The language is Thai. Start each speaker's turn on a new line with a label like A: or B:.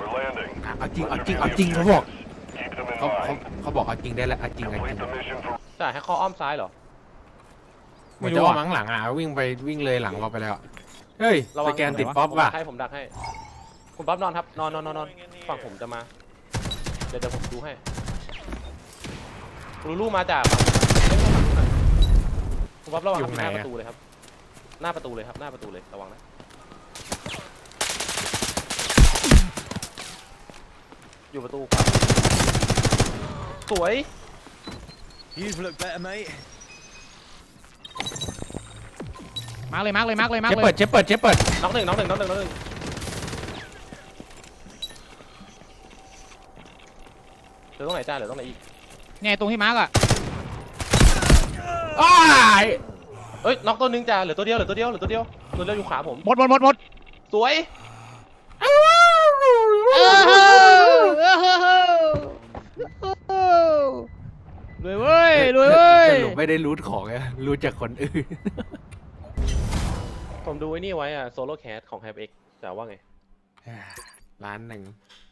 A: เอาจริงเขาบอกเขาบอกเอาจริงได้แล้วเอาจริง
B: จ่ายให้เขาอ้อมซ้ายเหรอ
A: ไม่รู้ว่ามั้งหลังวิ่งเลยหลังเราไปแล้วเฮ้ยสแกนติดป๊อปว่ะ
B: ผมดักให้คุณป๊อปนอนครับนอนฝั่งผมจะมาเดี๋ยวผมดูให้ลูมาจากคุณป๊อประวังหน้าประตูเลยครับหน้าประตูเลยระวังนะอยู่ประตูขวาสวย
C: You've looked better, mate.
D: มาร์กเลย
A: เชฟเปิด
B: น็อกหนึ่งเหลือตรงไหนจ้าเหลือตรงไหนอีก
D: เนี่ยตรงที่มาร์กอ่ะ
A: อ้าย
B: เอ้ยน็อกตัวนึงจ้าเหลือตัวเดียวอยู่ขาผม
D: หมด
B: สวย
D: รวยเว้ย
A: สรุปไม่ได้รูทของไงรูทจากคนอื่น
B: ผมดูไอ้นี่ไว้อะโซโล่แคสของ HyperX แต่ว่าไง
A: 1,000,000